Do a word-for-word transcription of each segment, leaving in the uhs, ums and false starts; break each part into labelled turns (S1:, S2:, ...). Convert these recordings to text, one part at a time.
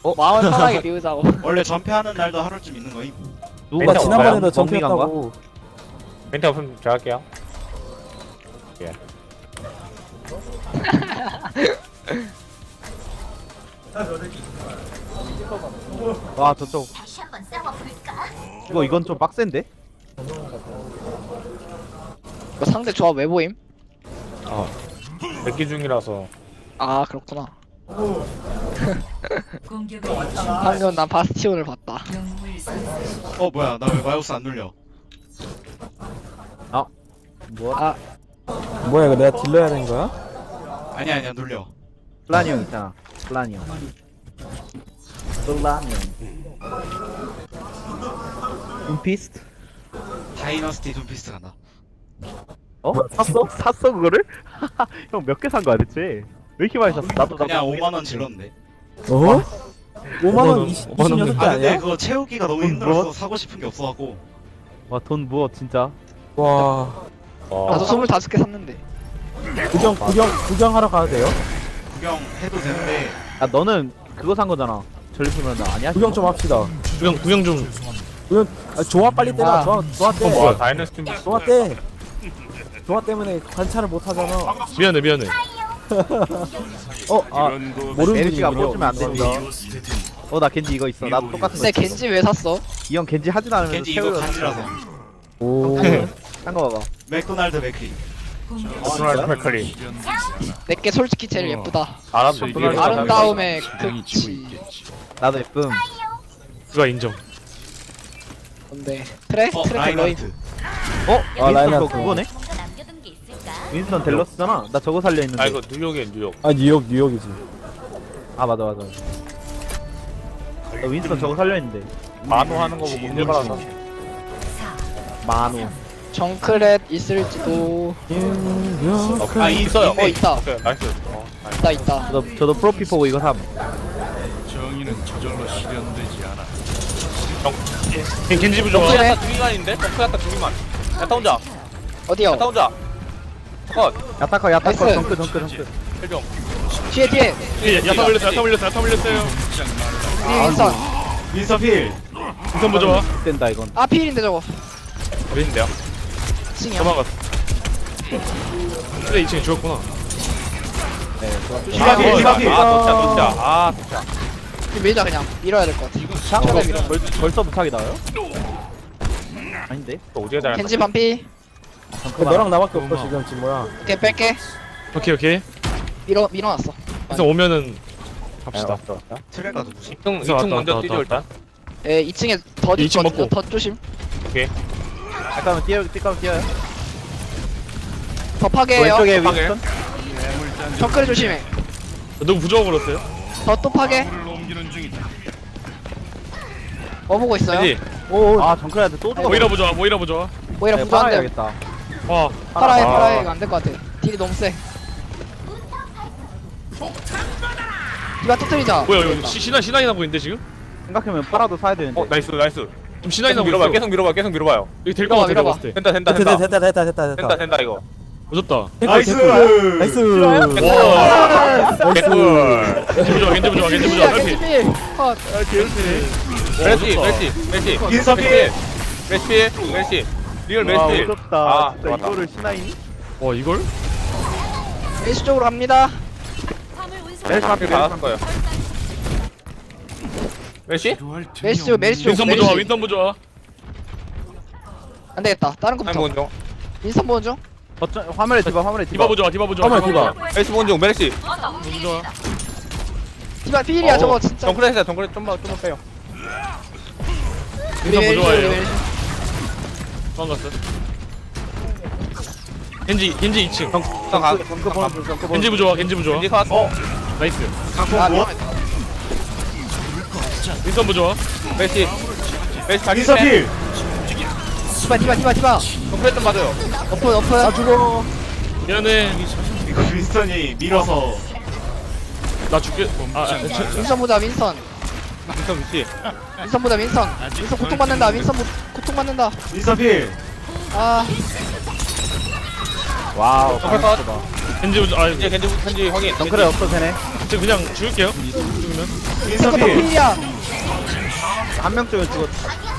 S1: 어?
S2: 마음을 편하게 비우자고.
S3: 원래 전패하는 날도 하루쯤 있는 거임.
S1: 누가
S4: 멘트
S1: 지난번에도
S4: 없어요?
S1: 전패했다고.
S4: 멘트 없으면 제가 할게요. 예.
S1: 와 저쪽
S5: 다시 한번 싸워볼까?
S1: 이거 이건 좀 빡센데?
S2: 이거 상대 조합 왜 보임?
S4: 어. 백기 중이라서.
S2: 아 그렇구나.
S5: 공격을
S2: 방금 난 바스티온을 봤다.
S5: 영웅을 선택.
S3: 어 뭐야 나 왜 마우스 안 눌려?
S1: 뭐?
S2: 아
S6: 뭐야 이거 내가 딜러야 되는 거야?
S3: 아니 아니야 눌려.
S1: 플라니 형 있잖아 플라니 형 플라니 형 둠피스트?
S3: 다이너스티 둠피스트 간다.
S1: 어? 샀어? 샀어 그거를? 형 몇 개 산 거야 대체? 왜 이렇게 많이 샀어? 나도 나도
S3: 그냥 오만 원 질렀는데.
S6: 어? 오만 원
S1: 원,
S6: 이십
S1: 오만 원
S6: 이십육 개
S3: 아 근데
S6: 아니야?
S3: 그거 채우기가 너무
S1: 돈
S3: 힘들어서
S1: 뭐?
S3: 사고 싶은 게 없어갖고.
S1: 와돈 부어 진짜
S6: 와
S4: 어.
S2: 나도 스물다섯 개 샀는데.
S6: 구경 구경 구경하러 가도 돼요?
S3: 구경해도 되는데
S1: 야 너는 그거 산 거잖아 전리품이란다 아니야?
S6: 구경 좀 합시다.
S7: 구경 구경 좀.
S6: 구경 아, 조화 빨리 떼라.
S2: 아.
S6: 조화 조화
S4: 어, 뭐야,
S6: 떼.
S4: 다이너스티.
S6: 조화 떼. 조화 때문에 관찰을 못 하잖아.
S7: 미안해 미안해.
S6: 어? 아 모르는
S1: 메르시가
S6: 분이군요.
S1: 꽂으면 안 된다 어나 겐지 이거 있어 나도 똑같은 거
S2: 근데
S1: 있어
S2: 겐지 왜 샀어?
S1: 이 형 겐지 하지도 않으면서
S3: 겐지 이거
S1: 채우려
S3: 간지라서.
S6: 오.
S1: 딴거 봐봐
S3: 맥도날드 맥크리.
S4: 오스널 맥컬리.
S2: 내게 솔직히 제일 예쁘다.
S4: 알았어.
S2: 아름다움의 극치.
S1: 나도 예쁨
S7: 그가 인정.
S2: 뭔데? 트레?
S3: 어
S2: 트레 델로임.
S3: 라인하트.
S1: 어?
S6: 아,
S1: 윈스턴
S6: 라인하트.
S1: 거 그거네?
S5: 뭔가 남겨둔 게 있을까?
S1: 윈스턴 델러스잖아 나 저거 살려 있는데
S4: 아 이거 뉴욕이에요 뉴욕.
S6: 아 뉴욕 뉴욕이지.
S1: 아 맞아 맞아 나 윈스턴 저거 살려 있는데
S4: 만호 하는 거 보고 일 받아서.
S1: 만호
S2: 정크렛 있을지도.
S6: 뉴욕.
S3: 아 이-
S4: 있어요.
S2: 어 있다.
S4: 오케이 나이스. 어, 나이스.
S2: 있다 있다.
S1: 저도 저도 프로피 보고 이거 삼
S7: 겐- 겐지 부좋아.
S2: 그래?
S4: 야타 두기만 있는데? 덩크 야타 두기만. 야타 혼자.
S2: 어디요?
S4: 야타 혼자. 컷.
S1: 야타커 야타커
S2: 나이스.
S1: 정크 정크 정크
S4: 헬정.
S2: 뒤에 뒤에.
S7: 예, 야타 올렸어 야타 올렸어 야타 올렸어요.
S2: 뒤에 윈선.
S3: 윈서 필.
S7: 우선 부좋아.
S1: 된다 이건
S2: 아 필인데 저거.
S4: 어딘데요?
S2: 칭이야.
S7: 도망갔어. 그래 이 층에 죽었구나.
S3: 디바 필 디바 필.
S4: 아 도차 도차. 아 도차.
S2: 이거 밀자 그냥. 밀어야 될 것 같아.
S1: 샹거
S2: 밀어.
S1: 벌, 벌써 부탁이 나와요? 아닌데?
S4: 또 오지게 잘.
S2: 겐지 반피.
S6: 그 너랑 나밖에 없어 지금 지금 뭐야?
S2: 오케이 뺄게.
S7: 오케이 오케이.
S2: 밀어 밀어놨어.
S7: 그래서 오면은 갑시다.
S4: 왔다 왔다.
S3: 트레가 누구지?
S4: 이 층, 이
S7: 왔다,
S4: 층 먼저
S7: 왔다,
S4: 뛰죠
S7: 왔다.
S4: 일단.
S2: 에 이 층에 덧
S7: 이 층
S2: 있거든요.
S7: 먹고.
S2: 덧 조심.
S1: 잠깐만 뛰어 뛰까면 뛰어요
S2: 더 파괴해요.
S1: 왼쪽에
S4: 파괴.
S1: 윈스턴?
S2: 정크렛 조심해.
S7: 누구 부좋아 걸었어요?
S2: 덧또 파괴. 뭐 보고 있어요?
S7: 겐지.
S1: 오오 아 정크레한테 또 죽어
S7: 모이라 부좋아 모이라 부좋아.
S2: 오히려
S1: 네,
S2: 부조한데.
S1: 빨아야겠다
S7: 와.
S2: 파라해
S4: 아.
S2: 파라해 이거 안될 것 같아. 딜이 너무 세. 디바 터뜨리자.
S7: 뭐야 이거 시, 신화 신화이 나고 있는데 지금?
S1: 생각해보면 팔아도 사야 되는데
S4: 어 나이스 나이스.
S7: 좀 신화이
S4: 계속
S7: 나고
S4: 밀어봐
S7: 있어.
S4: 계속 밀어봐 계속 밀어봐요.
S7: 이거 될거 같아
S2: 밀어봐,
S7: 내가 봤을 때.
S4: 된다 된다
S6: 됐다
S4: 된다.
S6: 됐다 됐다 됐다
S4: 된다
S6: 됐다.
S4: 된다 이거.
S7: 오졌다.
S3: 나이스.
S6: 나이스.
S4: 개꿀.
S7: 겐지 부좋아 겐지 부좋아 겐지 부좋아.
S2: 야
S7: 딸피.
S2: 겐지필. 컷.
S4: 멜시 멜시 멜시.
S3: 윈서 필.
S4: 멜시 필 멜시. 리얼
S1: 와
S4: 멜시 필.
S1: 오졌다
S4: 아
S1: 진짜
S4: 좋았다.
S1: 이거를 신화이니?
S7: 와 이걸?
S2: 멜시 쪽으로 갑니다.
S4: 멜시 앞에 받았을 거예요. 멜시?
S2: 멜시 쪽 멜시 쪽.
S7: 윈선 부좋아
S2: 멜시.
S7: 윈선 부좋아.
S2: 안 되겠다. 다른
S4: 아니
S2: 거부터.
S4: 먼저.
S2: 윈선 보는 중.
S1: 어쩌 화면에 디바 화면에 디바
S7: 디바 부좋아 디바 부좋아.
S6: 잠깐만 디바.
S4: 멜시 먼저 멜시.
S7: 부좋아.
S2: 디바 필이야
S4: 어,
S2: 저거 진짜.
S4: 정크레스야 정크레스 좀만 좀만 빼요.
S2: 우리
S7: 윈선
S2: 멜시 우리
S7: 부좋아해요.
S2: 멜시.
S7: 도망갔어. 겐지 겐지 이 층.
S4: 정 가.
S1: 정크 보는 중 정크 보는
S7: 겐지
S1: 중
S7: 부좋아 겐지 부좋아.
S4: 겐지 컷. 어.
S7: 나이스.
S3: 강폭
S2: 아
S3: 뭐?
S2: 미안해.
S7: 윈선 부좋아.
S4: 멜시. 멜시 자기
S3: 윈서 필.
S2: 디바 디바 디바 디바.
S4: 정크레스 좀 맞아요.
S2: 어프 어프.
S6: 아 죽어.
S7: 미안해.
S3: 이거 윈스턴이 밀어서
S7: 나 죽게. 아, 아 저-
S2: 윈선 보자 윈선.
S4: 윈선 위치.
S2: 윈선 보자 윈선. 윈선 고통 받는다. 윈선 고- 고통 받는다.
S3: 윈서 필.
S2: 아
S1: 와우
S4: 정크레스 컷.
S7: 겐지 부좋아. 아
S4: 겐지 겐지 겐지 확인.
S1: 정크레 없어 되네
S7: 저 그냥 죽을게요. 죽으면.
S3: 윈서
S2: 포토
S3: 필.
S2: 필이야.
S1: 한 명 쪽에 죽었.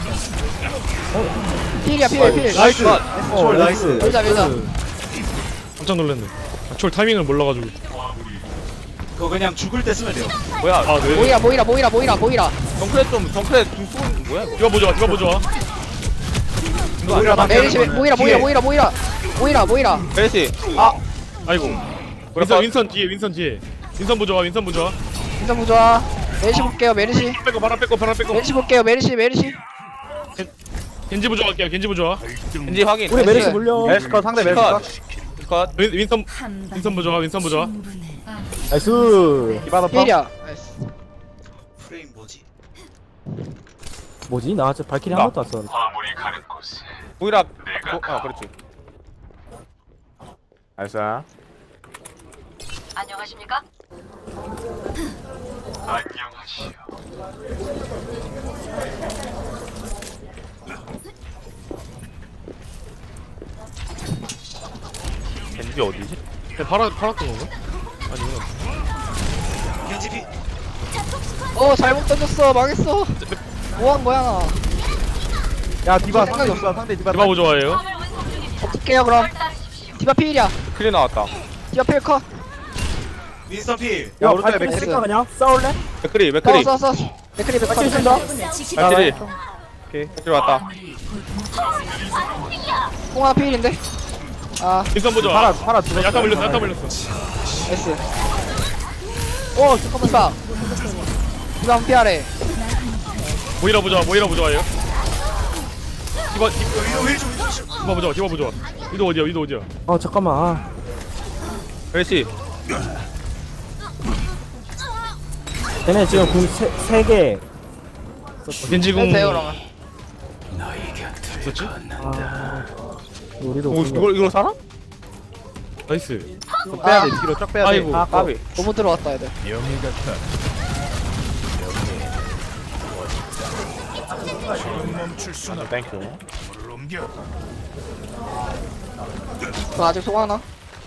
S2: 필이야 필 필.
S3: 나이스.
S1: 어,
S3: 쫄 나이스.
S2: 밀자 밀자.
S7: 깜짝 놀랐네. 아, 쫄 타이밍을 몰라가지고.
S3: 그거 그냥 죽을 때 쓰면 돼요.
S4: 뭐야?
S7: 아 네.
S2: 모이라 모이라 모이라 모이라 모이라.
S4: 정크레 좀 정크레 좀 쏘는 뭐야 이거?
S7: 디바 보자. 디바 보자.
S3: 모이라 나
S2: 메리시 모이라 모이라 모이라 모이라 모이라 모이라.
S4: 메르시. 아
S7: 아이고. 윈선 윈선 뒤에 윈선 뒤에. 윈선 보자. 윈선 보자.
S2: 인사 부좋아. 메리시 볼게요 메리시.
S7: 빼고 바람 빼고 바람 빼고.
S2: 메리시 볼게요 메리시 메리시.
S7: 겐지 보자 갈게요. 겐지 보자.
S4: 겐지 확인.
S6: 우리 메르시
S2: 나이스.
S6: 물려.
S1: 멜스컷 상대 멜스컷.
S4: 컷.
S7: 윈, 윈선 윈선 보자. 윈선 보자.
S6: 나이스.
S1: 디바더 펑.
S2: 필이야. 나이스.
S3: 프레임 뭐지?
S6: 뭐지? 나 진짜 발키리 한 번도 안 썼는데.
S4: 보이라. 어, 아 그렇지.
S1: 나이스.
S5: 안녕하십니까?
S1: 겐지 어디지?
S7: 팔아 팔았던 건가? 아니구나.
S3: 겐지 필.
S2: 어 잘못 던졌어 망했어. 뭐한 거야 나.
S1: 야 디바
S2: 생각이
S1: 상대 없어. 상대 디바.
S7: 디바 보자예요.
S2: 어떡해요 그럼. 디바 필이야.
S4: 클리 나왔다.
S2: 디바 필 컷.
S3: 윈서 필.
S1: 야
S6: 야,
S1: 오른쪽에
S6: 발키리
S1: 맥크리.
S6: 쓸까 그냥? 싸울래?
S4: 맥크리 맥크리.
S2: 싸워 싸워 싸워. 맥크리 맥크리
S6: 발키리 쓴다.
S4: 맥크리.
S1: 오케이.
S4: 맥크리 왔다.
S2: 뽕 하나 필인데. 아
S7: 윈선 보자.
S1: 파라 파라 죽었어.
S7: 야타 물렸어. 야타 물렸어.
S2: 나이스. 어 잠깐만 봐. 디바 한 피하래.
S7: 모이라 보자. 모이라 보자예요. 디바 디-
S3: 위로 힐좀 위로 힐.
S7: 디바 보자. 디바 보자. 위도 어디야? 위도 어디야?
S6: 어 잠깐만. 아.
S4: 메르시.
S6: 얘네 지금 궁세 개.
S7: 겐지궁
S2: 해도 돼요 그러면.
S7: 있었지?
S6: 아. 우리도
S4: 오,
S6: 궁.
S4: 이걸 이걸 살아?
S7: 나이스.
S1: 빼야 돼. 뒤로 쫙 빼야 돼.
S7: 아이고.
S2: 아
S4: 까비.
S2: 너무 들어왔다 애들.
S1: 땡큐.
S2: 저 아직 속 하나.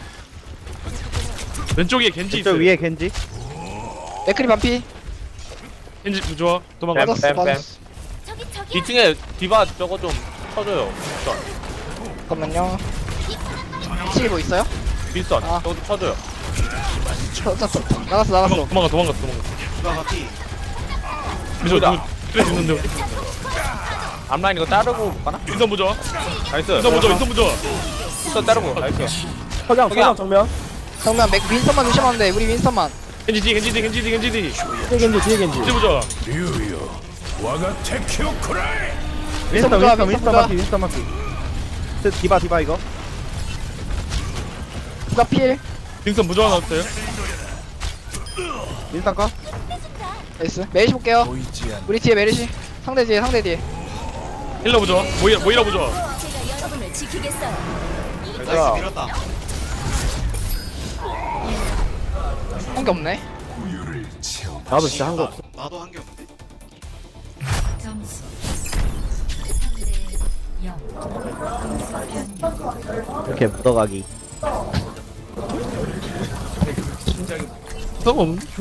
S7: 왼쪽에 겐지
S1: 이쪽
S7: 있어.
S1: 위에 겐지.
S2: 맥크리 반피.
S7: 겐지 부좋아. 도망가.
S2: 맞았어
S4: 뺨, 뺨.
S2: 맞았어.
S5: 저기 저기
S4: 이 층에 디바 저거 좀 쳐줘요.
S2: 잠깐만요. 치기 뭐 있어요?
S4: 윈선.
S2: 아.
S4: 저거 좀 쳐줘요.
S2: 저, 저, 저, 나갔어 나갔어.
S7: 도망가. 도망가. 도망가.
S3: 디바가 필.
S7: 미소 누구 그래 죽는데.
S4: 앞라인 이거 따르고 가나?
S7: 윈선 보자.
S4: 나이스.
S7: 윈선 보자. 윈선 보자.
S4: 윈선 따르고. 나이스.
S6: 석양
S4: 석양.
S6: 석양 정면.
S2: 정면 맥 윈선만 조심하면 돼. 우리 윈선만.
S7: 겐지 뒤 겐지 뒤 겐지 뒤 겐지 뒤.
S6: 뒤에 겐지 뒤에 겐지.
S7: 겐지 보자.
S1: 윈스턴
S2: 보자,
S1: 윈스턴
S2: 윈스턴
S1: 윈스턴
S2: 보자.
S1: 마피 윈스턴 마피. 저 디바 디바 이거.
S2: 디바 필.
S7: 윈선 보자 나왔어요.
S1: 윈스턴 거.
S2: 나이스. 메리시 볼게요. 우리 뒤에 메리시. 상대 뒤에 상대 뒤에.
S7: 힐러 보자. 모이라 모이라 보자.
S5: 제가 여러분을 지키겠어요.
S3: 나이스 밀었다.
S2: 한 게 없네.
S6: 나도 진짜 한 거 없어.
S3: 나도 한 게 없는데.
S5: 점수 삼 대 영.
S1: 이렇게 묻어가기.
S7: 상관 없네.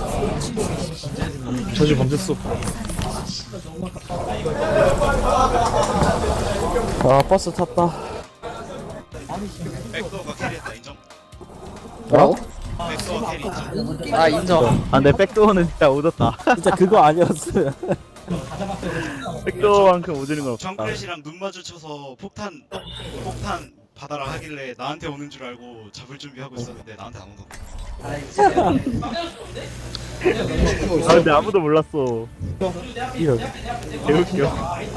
S7: 저지 범죄수.
S6: 아 버스 탔다.
S3: 백도어가 캐리했다 인정.
S6: 뭐라고?
S3: 백도어 캐리 인정.
S2: 아 인정.
S1: 아, 내 백도어는 진짜 오졌다.
S6: 진짜 그거 아니었어요.
S1: 백도어만큼 오지는 건 없다.
S3: 정크렛이랑 눈 마주쳐서 폭탄 폭탄 받아라 하길래 나한테 오는 줄 알고 잡을 준비하고 있었는데 나한테 안 오더라.
S1: 아, 근데 아무도 몰랐어.
S6: 이런.
S1: 개웃겨.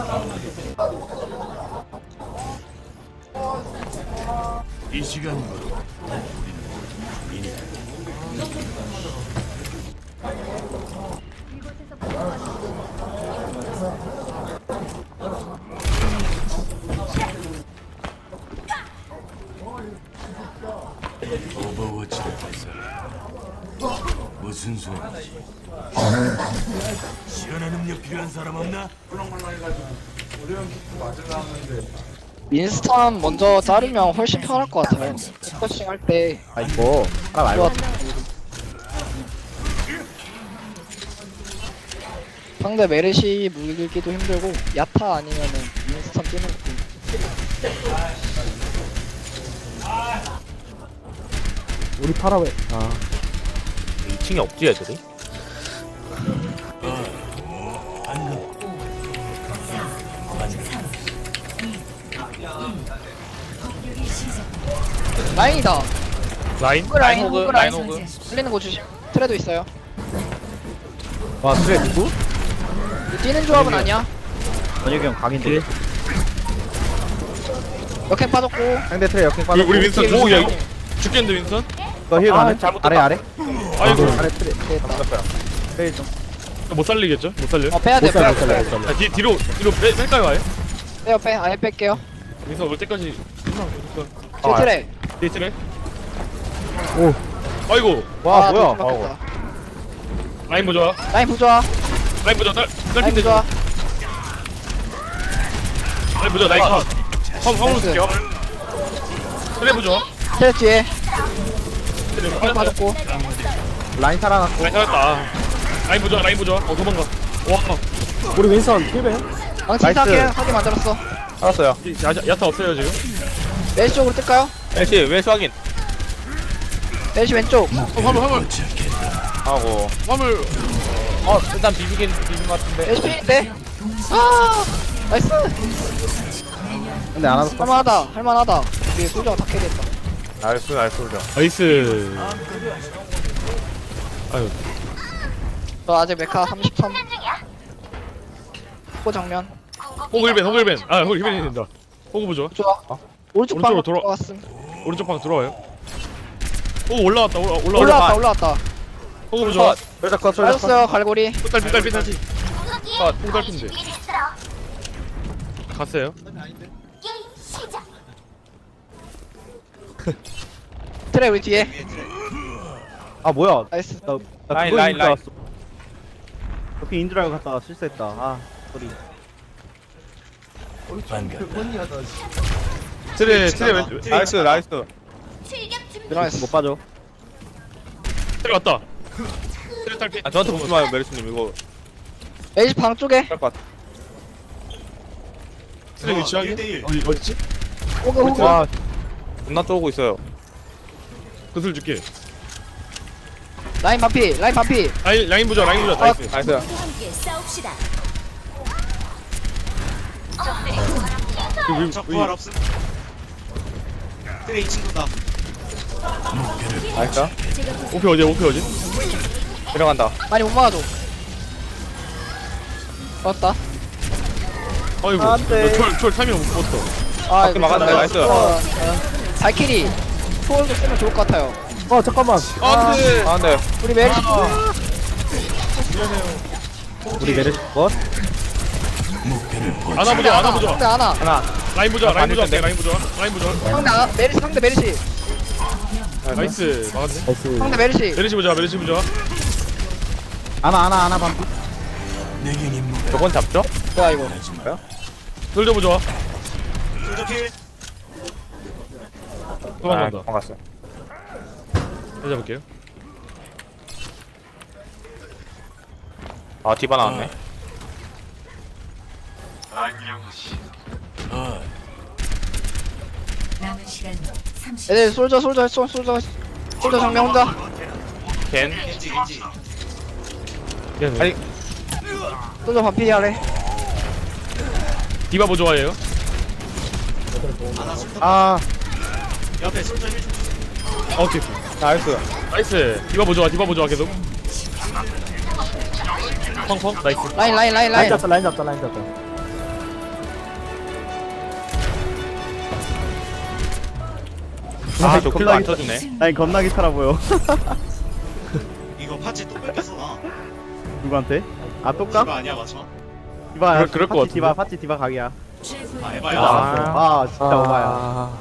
S8: 오버워치를 발사라. 무슨 소리지? 시원한 음료 필요한 사람 없나?
S2: 윈스턴 먼저 자르면 훨씬 편할 것 같아요. 포커싱 할 때.
S1: 아, 이거. 아, 말고.
S2: 상대 메르시 물기도 힘들고 야타 아니면은 윈스턴 뛰는 것도
S6: 우리 파라웨. 아,
S4: 이 층에 없지 애들이?
S2: 라인이다.
S7: 라인
S2: 호그 라인,
S4: 호그,
S2: 호그
S4: 라인
S2: 라인.
S4: 호그.
S2: 흘리는 거 주시. 트레도 있어요.
S1: 와 그래 누구?
S2: 뛰는 조합은 아니야.
S1: 전혁이 형 강인데.
S2: 역행 빠졌고.
S1: 상대 트레 역행
S7: 우리,
S1: 빠졌고.
S7: 우리 윈선
S2: 뒤에
S7: 누구야
S2: 윈선.
S7: 이거? 죽겠는데 윈선?
S1: 이거 힐
S4: 아,
S1: 가네?
S4: 잘못
S1: 아래 아래?
S7: 아이고
S1: 아래 트레.
S2: 됐다.
S1: 트레 좀.
S7: 못 살리겠죠? 못 살려
S2: 어 빼야 돼.
S6: 못 살려,
S2: 빼야
S6: 못
S2: 돼.
S6: 살려, 못 살려.
S7: 자, 뒤, 뒤로 뒤로 빼, 뺄까요 아예?
S2: 빼요 빼. 아예 뺄게요.
S7: 윈선 올 때까지
S2: 뒤에 트레.
S7: 데이트래?
S6: 오.
S7: 아이고
S1: 와
S2: 아,
S1: 뭐야?
S2: 좀 막혔다.
S7: 라인 보자
S2: 라인 부좋아.
S7: 라인 보자 딸
S2: 라인
S7: 딸핀 되죠?
S2: 부좋아.
S7: 라인 보자 라인 컷 화물 화물
S2: 나이스.
S7: 쓸게요 트레 보자
S2: 트레 뒤에.
S7: 트레
S2: 역행
S7: 빠졌고
S2: 빠졌고.
S1: 라인 살아났고.
S7: 라인 살았다 라인 보자 라인 보자 어 도망가 와
S6: 우리 윈선 힐벤.
S2: 망치
S1: 나이스.
S2: 이상하게 하게 만들었어.
S4: 알았어요.
S7: 이- 야, 야타 없어요 지금
S2: 메시 쪽으로 뜰까요?
S4: 엘씨 왼수 확인.
S2: 메시 왼쪽.
S7: 어 화물 화물
S4: 하고.
S7: 화물
S4: 어 일단 비비긴 비빈 것 같은데.
S2: 메시 필인데. 아 나이스.
S1: 근데 안 하고.
S2: 할만하다. 할만하다. 우리 솔저가 다 캐리했다.
S4: 나이스 나이스 그죠.
S7: 나이스 아유
S2: 저 아직 메카 삼십삼. 호 정면.
S7: 호글벤 호글벤 아 호글벤이 된다 호구 보자
S2: 좋아. 오른쪽
S7: 오른쪽으로
S2: 방
S7: 돌아-
S2: 들어왔음.
S7: 오른쪽 방 들어와요 오 올라왔다 올라 올라 올라
S2: 올라왔다 올라왔다.
S7: 호구 보자
S1: 솔자 컷 솔자 컷.
S2: 빠졌어요 갈고리.
S7: 딸 삐딸 삐딸지 호구 딸핀데 갔어요
S2: 트레 우리 뒤에.
S1: 아 뭐야?
S2: 나이스.
S1: 나, 나
S4: 라인,
S1: 그거
S4: 라인,
S1: 인줄 알았어. 옆에 인줄 알고 갔다가 실수했다. 아 소리.
S8: 반갑다.
S7: 트레 트레 왼
S4: 나이스 나이스.
S2: 들어갔어.
S1: 못 빠져.
S7: 트레 왔다 트레 딸핀
S4: 아 저한테 보지 마요 메리스님 이거
S2: 메시 방 쪽에.
S4: 할것 같아.
S7: 트레 위치 확인
S3: 일 대일.
S7: 어디 어디지?
S2: 호그 호그.
S1: 와
S4: 존나 쪼고 있어요.
S7: 그슬 줄게
S2: 라인 반피. 라인 반피.
S7: 라인 라인 보자 라인 보자 나이스
S4: 나이스.
S5: 함께 싸웁시다.
S7: 그 위-
S3: 적
S7: 위-
S3: 부활 없음. 트레 이 친구다.
S4: 나이스.
S7: 오피 어디야 오피 어디?
S4: 들어간다.
S2: 많이 못 막아줘. 맞다.
S7: 아이고
S1: 안 돼.
S7: 철철 타이밍 못 봤어
S2: 아
S4: 밖에 막았네, 나이스.
S2: 어, 어. 발키리. 초월도 쓰면 좋을 것 같아요.
S6: 어 잠깐만.
S7: 안돼
S4: 아 근데
S2: 우리 메시.
S1: 우리 메르시 컷.
S7: 안아 보자 안아 보자
S2: 상대 하나.
S4: 하나.
S7: 라인 보자 라인 보자
S4: 반대편인데?
S7: 라인 보자 라인 보자
S2: 상대 하나. 메리시 상대 메리시.
S7: 나이스 막았네
S6: 나이스.
S2: 상대 메리시.
S7: 메리시 보자 메리시 보자
S1: 아나 아나 아나 반피.
S8: 내겐 임무가
S4: 저건 잡죠?
S2: 좋아 이거.
S7: 솔져 보자
S3: 솔저 킬.
S7: 도망간다
S4: 아, 도망갔어.
S7: 찾아볼게요
S4: 아 디바 나왔네.
S8: 아,
S5: 남은 시간 삼십.
S2: 애들 솔저 솔저 솔 솔저 솔저 정면 혼자.
S4: 겐.
S3: 겐지 겐지.
S7: 미안해
S4: 아니
S2: 솔저 반피 하래.
S7: 디바 뭐 좋아해요?
S3: 아나 술탄.
S1: 아
S3: 옆에 솔저 힐.
S7: 아, 오케이
S4: 나이스.
S7: 나이스 디바 뭐 좋아 디바 뭐 좋아 계속 펑펑 나이스
S2: 라인 라인 라인
S6: 라인
S2: 라인.
S6: 잡자 라인 잡자 라인 잡자.
S4: 아저 킬도 안
S1: 겁나게
S4: 쳐주네.
S1: 라인 겁나게 살아 보여.
S3: 이거 파츠 또 뺏겼어 나.
S1: 누구한테? 아 똑까?
S3: 디바 아니야 맞죠?
S1: 디바.
S7: 그럴- 그럴 것
S1: 파티
S7: 같은데?
S1: 디바 파티 디바 각이야.
S3: 아 에바야.
S1: 아, 아 진짜 오바야.
S6: 아,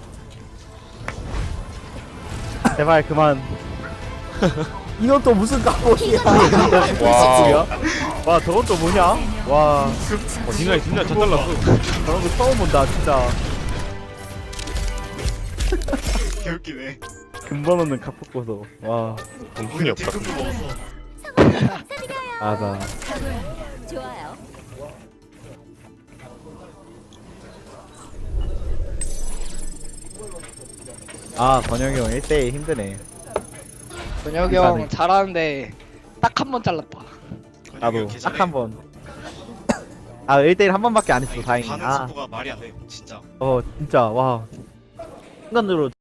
S1: 제발 그만.
S6: 이건 또 무슨 까보기야.
S4: 와.
S1: 와 저건 또 뭐냐? 와
S7: 어 뒷라인 뒷라인 다 잘랐어
S1: 저런 거 처음 본다 진짜.
S3: 개웃기네.
S1: 근본 없는 카푸고서. 와
S4: 돈이 없다.
S3: 딜금도 먹었어.
S1: 아나.
S5: 각오해. 좋아요.
S1: 아 권영이 형 일 대일 힘드네.
S2: 권혁이
S1: 감사하네.
S2: 형 잘하는데 딱 한 번 잘랐다.
S1: 나도 딱 한 번. 아 일 대일 한 번밖에 안 했어 다행히.
S3: 반응
S1: 아,
S3: 속도가 말이 안 돼. 진짜.
S1: 어 진짜 와. 순간으로